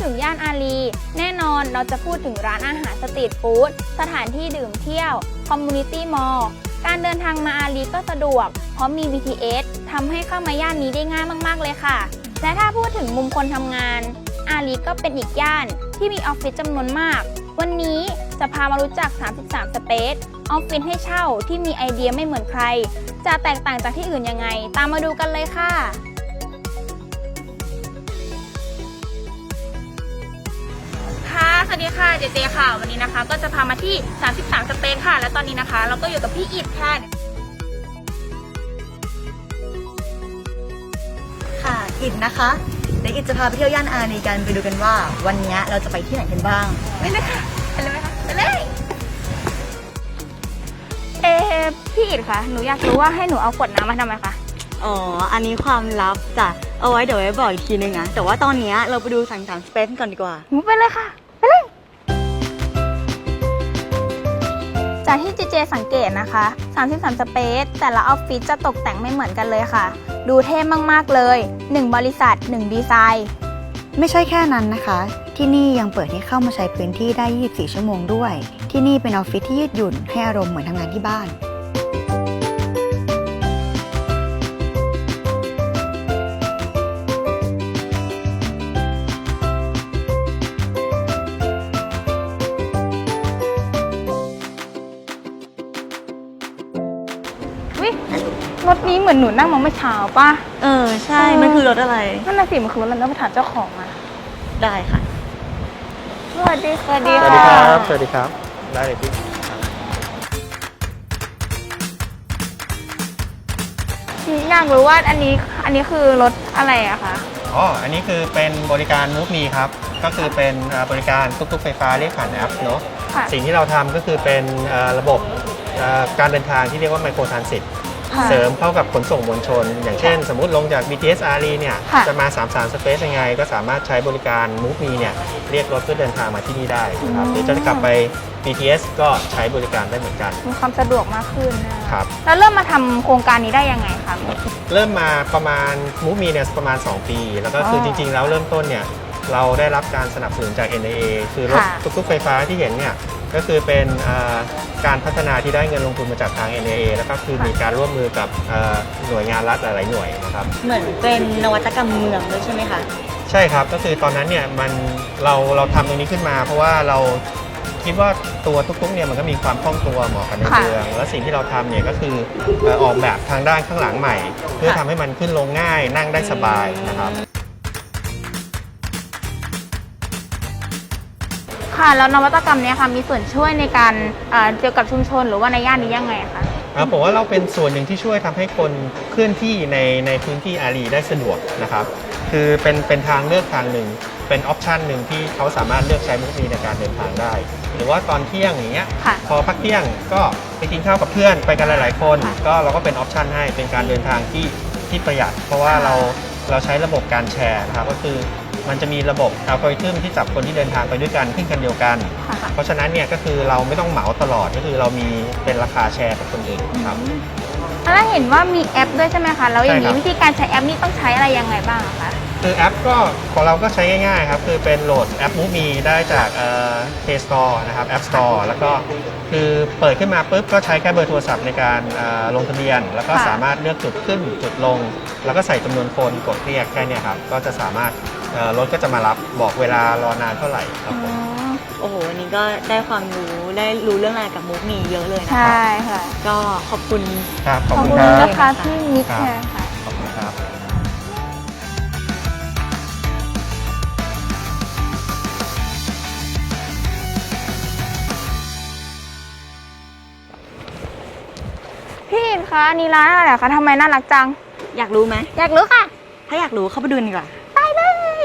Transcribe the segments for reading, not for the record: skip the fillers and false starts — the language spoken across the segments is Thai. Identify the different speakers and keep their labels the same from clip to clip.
Speaker 1: ถึงย่านอารีแน่นอนเราจะพูดถึงร้านอาหารสตรีทฟู้ดสถานที่ดื่มเที่ยวคอมมูนิตี้มอลล์การเดินทางมาอารีก็สะดวกเพราะมี BTS ทำให้เข้ามาย่านนี้ได้ง่ายมากๆเลยค่ะและถ้าพูดถึงมุมคนทำงานอารีก็เป็นอีกย่านที่มีออฟฟิศจำนวนมากวันนี้จะพามารู้จัก33 Space ออฟฟิศให้เช่าที่มีไอเดียไม่เหมือนใครจะแตกต่างจากที่อื่นยังไงตามมาดูกันเลยค่ะสวัสดีค่ะเจเจค่ะวันนี้นะคะก็จะพามาที่33 Space ค่ะและตอนนี้นะคะเราก็อยู่กับพี่อิฐค่ะ
Speaker 2: ค่ะอิฐนะคะเดี๋ยวอิฐจะพาไปเที่ยวย่านอารีกันไปดูกันว่าวันนี้เราจะไปที่ไหนกันบ้าง
Speaker 1: ไม่เลยค่ะไปเลยไหมคะไปเลยพี่อิฐคะหนูอยากรู้ว่าให้หนูเอาขวดน้ำมาทำไมคะ
Speaker 2: อ๋ออันนี้ความลับจ้ะเอาไว้เดี๋ยวไว้บอกอีกทีนึงนะแต่ว่าตอนนี้เราไปดู33 Space ก่อนดีกว่า
Speaker 1: หนูไปเลยค่ะไปเลยจากที่เจเจสังเกตนะคะ33 Space แต่ละออฟฟิศจะตกแต่งไม่เหมือนกันเลยค่ะดูเท่มากๆเลย1บริษัท1ดีไซน์
Speaker 2: ไม่ใช่แค่นั้นนะคะที่นี่ยังเปิดให้เข้ามาใช้พื้นที่ได้24 ชั่วโมงด้วยที่นี่เป็นออฟฟิศที่ยืดหยุ่นให้อารมณ์เหมือนทำงานที่บ้าน
Speaker 1: รถนี้เหมือนหนูนั่งมาเมื่อเช้าป่ะ
Speaker 2: ใช่มันคือรถอะไร
Speaker 1: นั่นน่ะสิมันคือรถอะไรต้องไปถามเจ้าของมา
Speaker 2: ได้ค่ะ
Speaker 1: สวัสดีค่ะ
Speaker 3: สวัสดีครับสวัสดีครับได้เลยพี่
Speaker 1: อยากรู้ว่าอันนี้คือรถอะไรอะคะ
Speaker 3: อ๋ออันนี้คือเป็นบริการมูฟมีครับก็คือเป็นบริการตุ๊กๆไฟฟ้าเรียกผ่านแอปเนาะสิ่งที่เราทำก็คือเป็นระบบการเดินทางที่เรียกว่าไมโครทรานสิตเสริมเข้ากับขนส่งมวลชนอย่างเช่นสมมุติลงจาก BTS อารีเนี่ยจะมา33 Space ยังไงก็สามารถใช้บริการ Move Me เนี่ยเรียกรถเพื่อเดินทางมาที่นี่ได้นะครับหรือจะกลับไป BTS ก็ใช้บริการได้เหมือนกัน
Speaker 1: มีความสะดวกมากขึ้นนะครับแล้วเริ่มมาทำโครงการนี้ได้ยังไงคะ
Speaker 3: เริ่มมาประมาณ Move Me เนี่ยประมาณ2 ปีแล้วก็คือจริงๆแล้วเริ่มต้นเนี่ยเราได้รับการสนับสนุนจาก NIA คือรถตุ๊กๆไฟฟ้าที่เห็นเนี่ยก็คือเป็นการพัฒนาที่ได้เงินลงทุนมาจากทาง NIA แล้วก็คือมีการร่วมมือกับหน่วยงานรัฐหลายๆหน่วยนะครับ
Speaker 2: เหมือนเป็นนวัตกรรมเมืองด้วยใช่ไหมคะ
Speaker 3: ใช่ครับก็คือตอนนั้นเนี่ยเราทำตรงนี้ขึ้นมาเพราะว่าเราคิดว่าตัวตุ๊กๆเนี่ยมันก็มีความคล่องตัวเหมาะกับในเมืองและสิ่งที่เราทำเนี่ยก็คือออกแบบทางด้านข้างหลังใหม่เพื่อทำให้มันขึ้นลงง่ายนั่งได้สบายนะครับ
Speaker 1: ค่ะแล้วนวัตกรรมนี้ค่ะมีส่วนช่วยในการเกี่ยวกับชุมชนหรือว่าในย่านนี้ยังไงคะ
Speaker 3: ผมว่าเราเป็นส่วนหนึ่งที่ช่วยทำให้คนเคลื่อนที่ในพื้นที่อารีได้สะดวกนะครับคือเป็นทางเลือกทางหนึ่งเป็นออปชันหนึ่งที่เขาสามารถเลือกใช้มุกมีในการเดินทางได้หรือว่าตอนเที่ยงอย่างเงี้ยพอพักเที่ยงก็ไปกินข้าวกับเพื่อนไปกันหลายๆคนก็เราก็เป็นออปชันให้เป็นการเดินทางที่ประหยัดเพราะว่าเราใช้ระบบการแชร์นะครับก็คือมันจะมีระบบอัลกอริทึมที่จับคนที่เดินทางไปด้วยกันขึ้นกันเดียวกันเพราะฉะนั้นเนี่ยก็คือเราไม่ต้องเหมาตลอดก็คือเรามีเป็นราคาแชร์กับคนอื่นครับ
Speaker 1: แล้วเห็นว่ามีแอปด้วยใช่ไหมคะแล้วอย่างนี้วิธีการใช้แอปนี้ต้องใช้อะไรยังไงบ้างคะ
Speaker 3: คือแอปก็ของเราก็ใช้ง่ายๆครับคือเป็นโหลดแอป Move Me ได้จากPlay Store นะครับ App Store แล้วก็คือเปิดขึ้นมาปุ๊บก็ใช้แค่เบอร์โทรศัพท์ในการลงทะเบียนแล้วก็สามารถเลือกจุดขึ้นจุดลงแล้วก็ใส่จำนวนคนกดเรียกแค่นี้ครับก็จะสามารถรถก็จะมารับบอกเวลารอนานเท่าไหร่ครับผม
Speaker 2: โอ้โหวันนี้ก็ได้ความรู้ได้รู้เรื่องราวกับมุกมีเยอะเลยนะคะ
Speaker 1: ใช่ค่ะ
Speaker 2: ก็ขอบคุณ
Speaker 3: ครับขอบคุณ
Speaker 1: นะคะพี่มิตรค่ะ
Speaker 3: ขอบคุณครับ
Speaker 1: พี่คะนี่ร้านอะไรคะทำไมน่ารักจัง
Speaker 2: อยากรู้ไหม
Speaker 1: อยากรู้ค่ะ
Speaker 2: ถ้าอยากรู้เข้าไปดูดีกว่า
Speaker 1: ไปเลย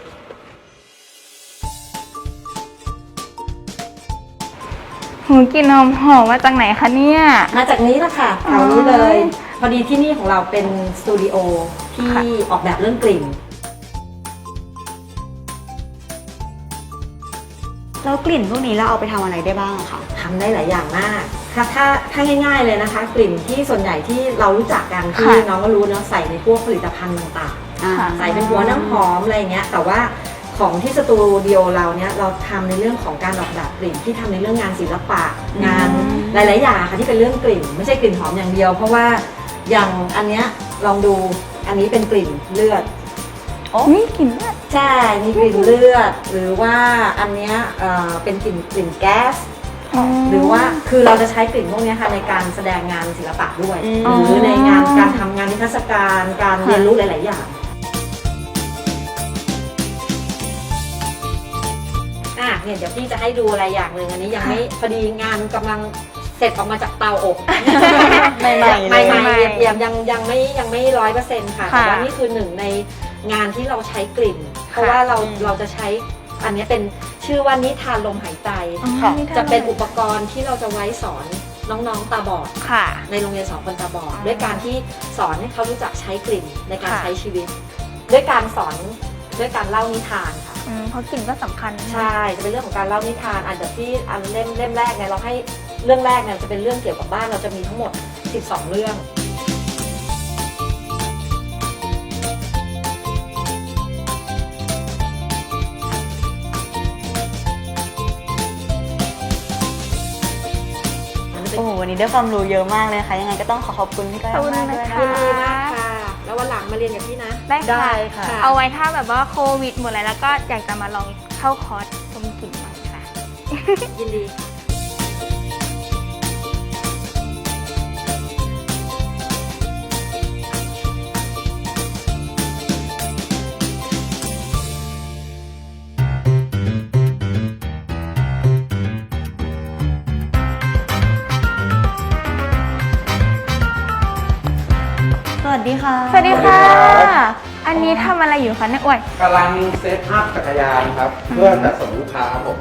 Speaker 1: หูกินนมหอมมาจากไหนคะเนี่ย
Speaker 4: มาจากนี้แหละค่ะแถวนี้เลยพอดีที่นี่ของเราเป็นสตูดิโอที่ออกแบบเรื่องกลิ่น
Speaker 2: แล้วกลิ่นพวกนี้เราเอาไปทำอะไรได้บ้างคะ
Speaker 4: ทำได้หลายอย่างมากถ้าง่ายๆเลยนะคะกลิ่นที่ส่วนใหญ่ที่เรารู้จักกันที่น้องก็รู้เนาะใส่ในพวกผลิตภัณฑ์ต่างๆใส่เป็นหัวน้ำหอมอะไรเงี้ยแต่ว่าของที่สตูดิโอเราเนี่ยเราทำในเรื่องของการออกแบบกลิ่นที่ทำในเรื่องงานศิลปะงานหลายๆอย่างค่ะที่เป็นเรื่องกลิ่นไม่ใช่กลิ่นหอมอย่างเดียว เพราะว่าอย่างอันเนี้ยลองดูอันนี้เป็นกลิ่นเลือด
Speaker 1: นี่กลิ่นเลือด
Speaker 4: ใช่มีกลิ่นเลือดหรือว่าอันเนี้ยเป็นกลิ่นแก๊สหรือว่าคือเราจะใช้กลิ่นพวกเนี้ยค่ะในการแสดงงานศิลปะด้วย หรือในงานการทำงานนิทรรศการการเรียนรู้หลาย ๆ อย่างเนี่ยเดี๋ยวพี่จะให้ดูอะไรอย่างหนึ่งอันนี้ยังไม่พอดีงานกำลังเสร็จออกมาจากเตาอบ
Speaker 2: ใหม่ๆ
Speaker 4: ยังไม่100%ค่ะแต่ว่านี่คือหนึ่งในงานที่เราใช้กลิ่น เพราะว่าเราจะใช้อันนี้เป็นชื่อว่านิทานลมหายใจ จะเป็นอุปกรณ์ที่เราจะไว้สอนน้องๆตาบอด
Speaker 1: ค่ะ
Speaker 4: ในโรงเรียนสอนคนตาบอดด้วยการที่สอนให้เขารู้จักใช้กลิ่นในการใช้ชีวิต ด้วยการสอนด้วยการเล่านิทานค่ะ
Speaker 1: เพราะกลิ่นก็สำคัญ
Speaker 4: ใช่จะเป็นเรื่องของการเล่านิทานเดี๋ยวที่อันเล่มแรกเนี่ยเราให้เรื่องแรกเนี่ยจะเป็นเรื่องเกี่ยวกับบ้านเราจะมีทั้งหมด12เรื่อง
Speaker 2: โอ้โหวันนี้ได้ความรู้เยอะมากเลยค่ะ ยังไงก็ต้องขอบคุณพี่ก้อยมากด้วยนะ
Speaker 4: ยิน
Speaker 2: คะ
Speaker 4: ดีมากค่ะ แล้ววันหลังมาเรียนกับพี่นะ
Speaker 1: ได้ค่ะ
Speaker 4: ค่ะ
Speaker 1: เอาไว้ถ้าแบบว่าโควิดหมดแล้วก็อยากจะมาลองเข้าคอร์สชมกลิ่นใหม่ค่ะ
Speaker 4: ยินดี
Speaker 2: สวัสดีค่ะ
Speaker 1: สวัสดีค่ะ อันนี้ทำอะไรอยู่คะเนี่ยอ้วย
Speaker 5: กำลังเซตอัพจักรยานครับ เพื่อจะส่งลูกค้าครับผม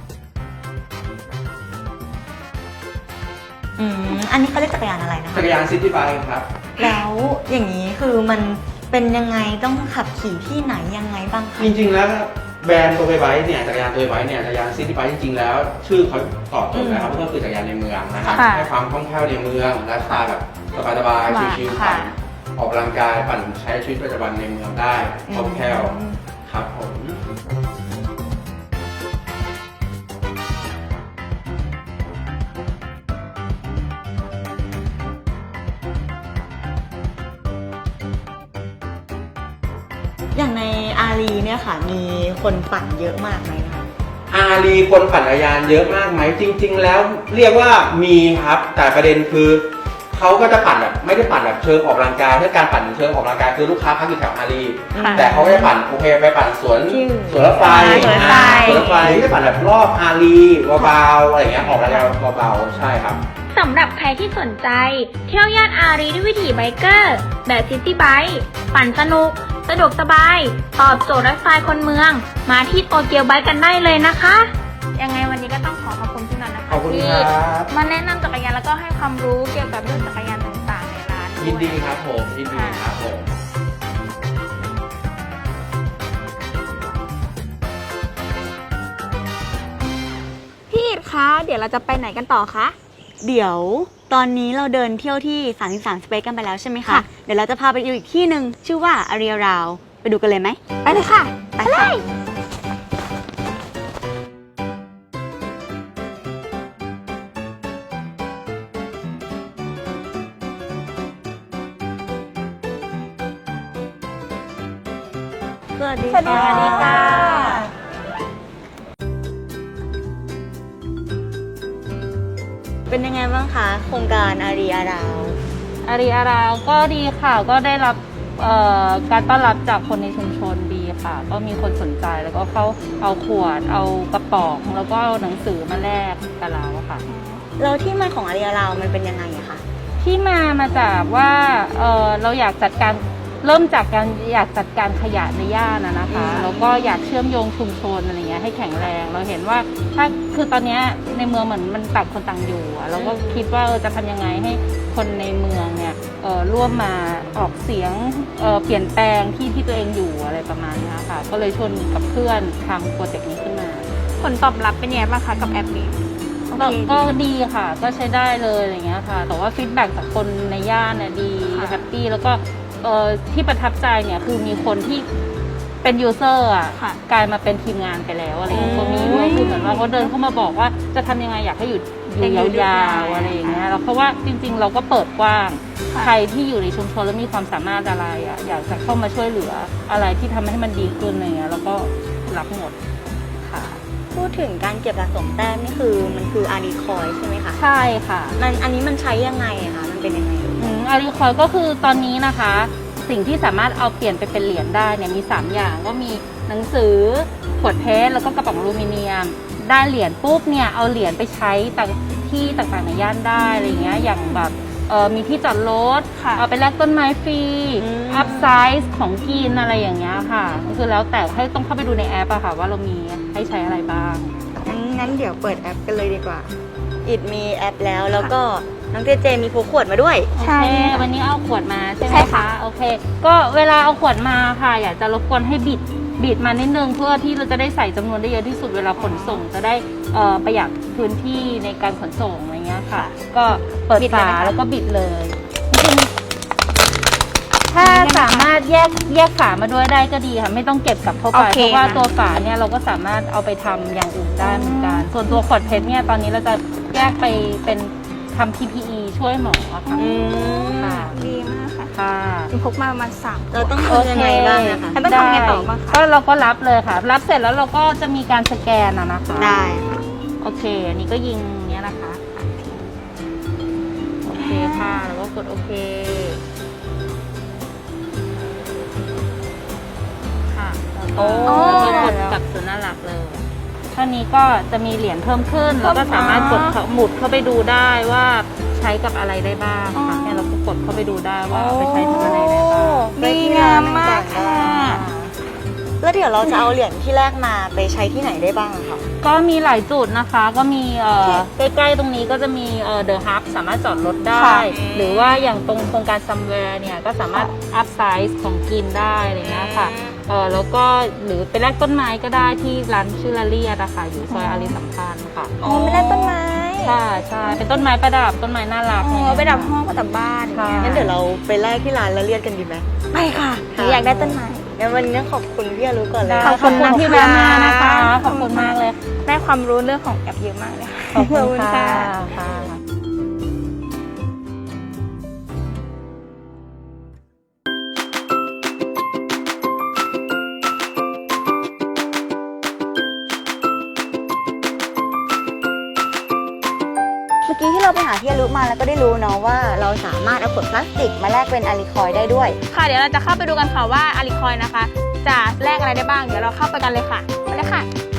Speaker 2: อันนี้เขาเรียกจักรยานอะไรนะคะ
Speaker 5: จักรยานซิตี้ไบค์ครับ
Speaker 2: แล้วอย่างนี้คือมันเป็นยังไงต้องขับขี่ที่ไหนยังไงบ้างคะ
Speaker 5: จริงๆแล้วแบรนด์ตัวไบค์เนี่ยจักรยานตัวไบค์เนี่ยจักรยานซิตี้ไบค์จริงๆแล้ว ชื่อเขาตอบโจทย์แล้วครับก็คือจักรยานในเมืองนะครับ
Speaker 1: ค่ะ
Speaker 5: ให้ความคล่องแคล่วในเมืองไลฟ์สไตล์แบบสบายๆชิลๆ
Speaker 1: ค่ะ
Speaker 5: ปั่นออกกำลังกายปั่นใช้ชีวิตประจำวันในเมืองได้คล่องแคล่วครับผม
Speaker 2: อย่างในอารีเนี่ยค่ะ มีคนปั่นเยอะมากไหมคะ
Speaker 5: อารีคนปั่นจักรยานเยอะมากไหมจริง ๆ แล้วเรียกว่ามีครับแต่ประเด็นคือเขาก็จะปั่นแบบไม่ได้ปั่นแบบเชิงออกกำลังกายถ้าการปั่นเชิงออกกำลังกายคือลูกค้าพักอยู่แถวอารี
Speaker 1: ค่ะ
Speaker 5: แต่เขาก็จะปั่นโอเคไปปั่นสวนรถไฟ
Speaker 1: สวนรถไฟ
Speaker 5: สวนรถไฟที่จะปั่นแบบรอบอารีเบาๆอะไรอย่างเงี้ยออกกำลังกายเบาๆใช่ครับ
Speaker 1: สำหรับใครที่สนใจ เที่ยวย่านอารีด้วยวิถีไบเกอร์ แบบซิตี้ไบค์ปั่นสนุก สะดวกสบาย ตอบโจทย์ไลฟ์สไตล์คนเมือง มาที่โตเกียวไบค์กันได้เลยนะคะ ยังไงวันนี้ก็ต้องขอบคุณพี่นันนะคะ
Speaker 5: ขอบคุณ
Speaker 1: ที่
Speaker 5: ครับ
Speaker 1: มาแนะนำจักรยานแล้วก็ให้ความรู้เกี่ยวกับเรื่องจักรยานต่างๆในร้านด้วย
Speaker 5: ยินดีครับผมยินดีครับผม
Speaker 1: พี่อิดคะ เดี๋ยวเราจะไปไหนกันต่อคะ
Speaker 2: เดี๋ยวตอนนี้เราเดินเที่ยวที่33สเปซกันไปแล้วใช่ไหมคะ
Speaker 1: ค่ะ
Speaker 2: เดี๋ยวเราจะพาไปดูอีกที่หนึ่งชื่อว่าอารีราวไปดูกันเลยไหม
Speaker 1: ไปเลยค่ะ
Speaker 2: ไปค่ะ สวัสดี
Speaker 1: สวัสดีค่ะ
Speaker 2: เป็นยังไงบ้างคะโครงการอารีราว
Speaker 6: อารีอาราวก็ดีค่ะก็ได้รับการต้อนรับจากคนในชุมชนดีค่ะ ก็มีคนสนใจแล้วก็เขาเอาขวดเอากระป๋องแล้วก็เอาหนังสือมาแลกกับเราอะค่ะ
Speaker 2: แล้วที่มาของอารีราวมันเป็นยังไงอะคะ
Speaker 6: ที่มาจากว่าเราอยากจัดการเริ่มจากการอยากจัดการขยะในย่านนะคะแล้วก็อยากเชื่อมโยงชุมชนอะไรเงี้ยให้แข็งแรงเราเห็นว่าถ้าคือตอนเนี้ยในเมืองเหมือนมันต่างคนต่างอยู่อะเราก็คิดว่าจะทำยังไงให้คนในเมืองเนี่ยร่วมมาออกเสียงเปลี่ยนแปลงที่ตัวเองอยู่อะไรประมาณนี้ค่ะก็เลยชวนกับเพื่อนทำโปรเจกต์นี้ขึ้นมา
Speaker 1: ผลตอบรับเป็นยังไงบ้างคะกับแอปนี้
Speaker 6: ก็ดีค่ะก็ใช้ได้เลยอะไรเงี้ยค่ะแต่ว่าฟีดแบ็กจากคนในย่านเนี่ยดีแฮปปี้แล้วก็ที่ประทับใจเนี่ยคือมีคนที่เป็นยูเซอร์อ่ะ
Speaker 1: ค่ะ
Speaker 6: กลายมาเป็นทีมงานไปแล้วอะไรอย่างเงี้ยก็มีด้วยคือเหมือนว่าเขาเดินเข้ามาบอกว่าจะทำยังไงอยากให้อยู่ยาวๆอะไรอย่างเงี้ยแล้วเพราะว่าจริงๆ เราก็เปิดกว้าง ใครที่อยู่ในชุมชนแล้วมีความสามารถอะไรอ่ะอยากจะเข้ามาช่วยเหลืออะไรที่ทำให้มันดีขึ้นอะไรเงี้ยแล้วก็รับหมด
Speaker 2: ค่ะ พูดถึงการเก็บสะสมแต้มนี่คือมันคืออารีคอยใช่ไหมคะ
Speaker 6: ใช่ค่ะ
Speaker 2: อันนี้มันใช้ยังไงอะคะมันเป็นยังไง
Speaker 6: อารีคอยก็คือตอนนี้นะคะ สิ่งที่สามารถเอาเปลี่ยนไปเป็นเหรียญได้เนี่ยมี 3 อย่างก็มีหนังสือขวดเพชรแล้วก็กระป๋องอลูมิเนียม ได้เหรียญปุ๊บเนี่ยเอาเหรียญไปใช้ที่ต่างๆในย่านได้อะไรเงี้ยอย่างแบบมีที่จอดรถ
Speaker 1: ค่ะ
Speaker 6: เอาไปแลกต้นไม้ฟรีอัพไซส์ของกินอะไรอย่างเงี้ยค่ะก็คือแล้วแต่ให้ต้องเข้าไปดูในแอปอะค่ะว่าเรามีให้ใช้อะไรบ้าง
Speaker 2: งั้นเดี๋ยวเปิดแอปกันเลยดีกว่า อิดมีแอปแล้วก็น้องเจเจมีพกขวดมาด้วย
Speaker 6: โอ
Speaker 1: ใช่
Speaker 6: เค
Speaker 1: ค่ะ
Speaker 6: วันนี้เอาขวดมาใช่ไหม
Speaker 1: ใช่ค่ะ
Speaker 6: คะโอเค ก็เวลาเอาขวดมาค่ะ อยากจะรบกวนให้บิดมานิดนึงเพื่อที่เราจะได้ใส่จำนวนได้เยอะที่สุดเวลาขนส่งจะได้ประหยัดพื้นที่ในการขนส่งอะไรเงี้ยค่ะ ก็เปิดฝาแล้วก็บิดเลยจริงๆถ้าสามารถแยกฝามาด้วยได้ก็ดีค่ะไม่ต้องเก็บกลับเข้าไปเพราะว่าตัวฝาเนี่ยเราก็สามารถเอาไปทำอย่างอื่นได้เหมือนกันส่วนตัวขวดเพชรเนี่ยตอนนี้เราจะแยกไปเป็นทำ PPE ช่วยหมอค่ะค่ะ
Speaker 1: ดีมากค่ะ
Speaker 6: ค่ะ
Speaker 1: จริงพกมาประมาณ3
Speaker 2: เราต้องทำยังไงบ้างนะคะ
Speaker 1: แล้วต้องทำไงต่อบ้างคะ
Speaker 6: ก็เราก็รับเลยค่ะ รับเสร็จแล้วเราก็จะมีการสแกนนะคะ
Speaker 2: ได้
Speaker 6: โอเค อันนี้ก็ยิงเนี้ยนะคะ โอเคค่ะ แล้วก็กดโอเค ค่ะแล้วก็กดกลับสู่หน้าหลักเลยเท่านี้ก็จะมีเหรียญเพิ่มขึ้น แล้วก็สามารถกดหมุดเข้าไปดูได้ว่าใช้กับอะไรได้บ้างค่ะเนี่ยเราก็กดเข้าไปดูได้ว่าเอาไปใช้ทำอะไรได้บ้าง
Speaker 1: ดีงามมากค่ะ
Speaker 2: แล้วเดี๋ยวเราจะเอาเหรียญที่แรกมาไปใช้ที่ไหนได้บ้างอะคะ
Speaker 6: ก็มีหลายจุดนะคะ ก็มีใกล้ๆตรงนี้ก็จะมีเดอะฮับสามารถจอดรถได้
Speaker 1: ค่ะ
Speaker 6: หรือว่าอย่างตรงโครงการซัมแวร์เนี่ยก็สามารถอัพไซส์ของกินได้อะไรเงี้ยค่ะแล้วก็หรือไปแลกต้นไม้ก็ได้ที่ร้านชื่อลาเลียนะคะอยู่ซอยอารีสัมพันธ์ค่ะ
Speaker 1: อ๋อไม่ได้ต้นไม้
Speaker 6: ใช่ใช่เป็นต้นไม้ประดับต้นไม้น่ารัก
Speaker 1: อ๋อไปดับห้องประดับบ้าน
Speaker 6: ค่ะ
Speaker 2: งั้นเดี๋ยวเราไปแลกที่ร้านแล้วเรียกกันดีไหม
Speaker 1: ไปค่ะหนูอยากได้ต้นไม้
Speaker 2: งั้นวันนี้ขอบคุณพี่อรุก่อนเลย
Speaker 6: ได้ขอบคุณที่แวะมานะคะ ขอบคุณมากเลย
Speaker 1: ได้ความรู้เรื่องของแอปเยอะมากเลย
Speaker 6: ขอบคุณค่ะค่ะ
Speaker 2: เมื่อกี้ที่เราไปหาพี่อรุมาแล้วก็ได้รู้เนาะว่าเราสามารถเอาขวดพลาสติกมาแลกเป็นอารีคอยได้ด้วย
Speaker 1: ค่ะเดี๋ยวเราจะเข้าไปดูกันค่ะว่าอาริคอยนะคะ จะแลกอะไรได้บ้าง เดี๋ยวเราเข้าไปกันเลยค่ะไปเลยค่ะ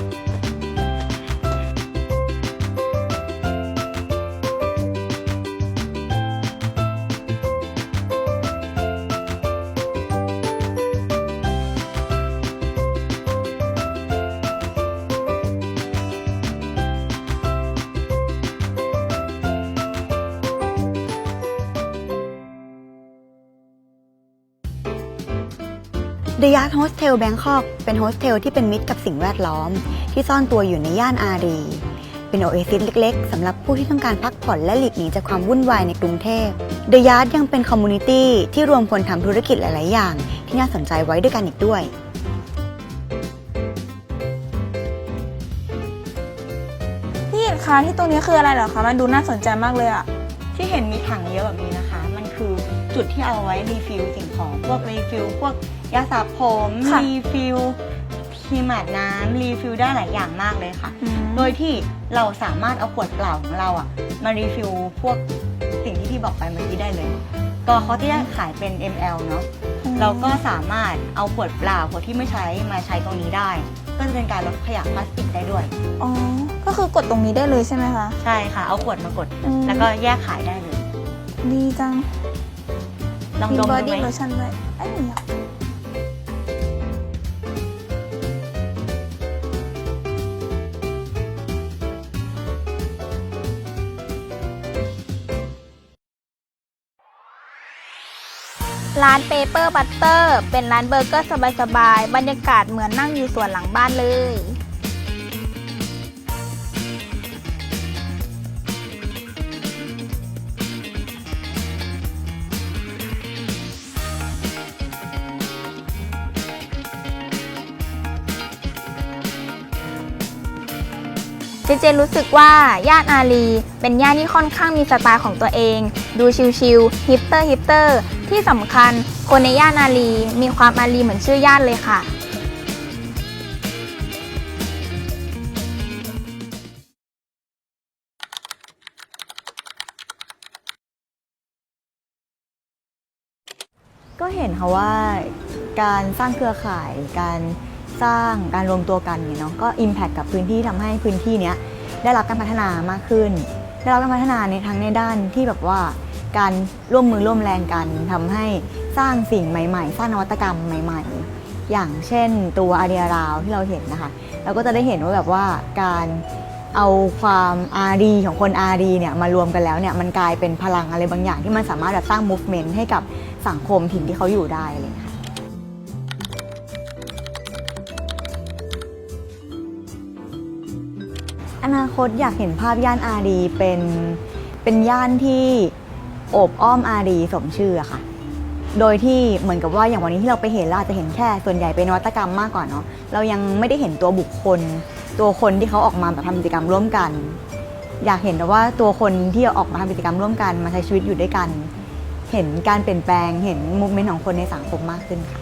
Speaker 2: The Yard Hostel Bangkok เป็นโฮสเทลที่เป็นมิตรกับสิ่งแวดล้อม ที่ซ่อนตัวอยู่ในย่านอารี เป็นโอเอซิสเล็กๆสำหรับผู้ที่ต้องการพักผ่อนและหลีกหนีจากความวุ่นวายในกรุงเทพ The Yard ยังเป็นคอมมูนิตี้ที่รวมคนทำธุรกิจหลายๆอย่าง ที่น่าสนใจไว้ด้วยกันอีกด้วย
Speaker 1: พี่คะที่ตรงนี้คืออะไรเหรอคะ มันดูน่าสนใจมากเลยอะ
Speaker 2: ที่เห็นมีถังเยอะแบบนี้นะคะ มันคือจุดที่เอาไว้รีฟิลสิ่งของ พวกรีฟิลพวกยาสระผมรีฟิลครีมอาบน้ำรีฟิลได้หลายอย่างมากเลยค่ะ โดยที่เราสามารถเอาขวดเปล่าของเราอะมารีฟิลพวกสิ่งที่พี่บอกไปเมื่อกี้ได้เลย ก็เขาที่ได้ขายเป็น ml เนาะเราก็สามารถเอาขวดเปล่าขวดที่ไม่ใช้มาใช้ตรงนี้ได้ ก็จะเป็นการลดขยะพลาสติกได้ด้วย
Speaker 1: อ๋อ ก็คือกดตรงนี้ได้เลยใช่ไหมคะ
Speaker 2: ใช่ค่ะ เอาขวดมากด แล้วก็แยกขายได้เลย
Speaker 1: ดีจัง
Speaker 2: ลอง
Speaker 1: มี
Speaker 2: ดม
Speaker 1: บอ
Speaker 2: ดู
Speaker 1: ดี้
Speaker 2: ไหม
Speaker 1: โลชั่นด้วยไอ้ยอยาก ร้านเปเปอร์บัตเตอร์เป็นร้านเบอร์เกอร์สบายๆ บรรยากาศเหมือนนั่งอยู่สวนหลังบ้านเลยเจรู้สึกว่าย่านอารีเป็นย่านที่ค่อนข้างมีสไตล์ของตัวเองดูชิลๆฮิปเตอร์ที่สำคัญคนในย่านอารีมีความอารีเหมือนชื่อย่านเลยค่ะ
Speaker 2: ก็เห็นค่ะว่าการสร้างเครือข่ายการสร้างการรวมตัวกันเนี่ยเนาะก็ impact กับพื้นที่ทำให้พื้นที่เนี้ยได้รับการพัฒนามากขึ้นได้รับการพัฒนาในทั้งในด้านที่แบบว่าการร่วมมือร่วมแรงกันทำให้สร้างสิ่งใหม่ๆสร้างนวัตกรรมใหม่ๆอย่างเช่นตัวอารีราวที่เราเห็นนะคะเราก็จะได้เห็นว่าแบบว่าการเอาความอารีของคนอารีเนี่ยมารวมกันแล้วเนี่ยมันกลายเป็นพลังอะไรบางอย่างที่มันสามารถแบบสร้าง movement ให้กับสังคมถิ่นที่เขาอยู่ได้เลยค่ะอนาคตอยากเห็นภาพย่านอารีเป็นย่านที่โอบอ้อมอารีสมชื่อค่ะโดยที่เหมือนกับว่าอย่างวันนี้ที่เราไปเห็นเราอาจจะเห็นแค่ส่วนใหญ่เป็นนวัตกรรมมากกว่าเนาะเรายังไม่ได้เห็นตัวบุคคลตัวคนที่เขาออกมาแบบทำกิจกรรมร่วมกันอยากเห็นแต่ว่าตัวคนที่ออกมาทำกิจกรรมร่วมกันมาใช้ชีวิตอยู่ด้วยกันเห็นการเปลี่ยนแปลงเห็นมูฟเมนต์ของคนในสังคมมากขึ้นค่ะ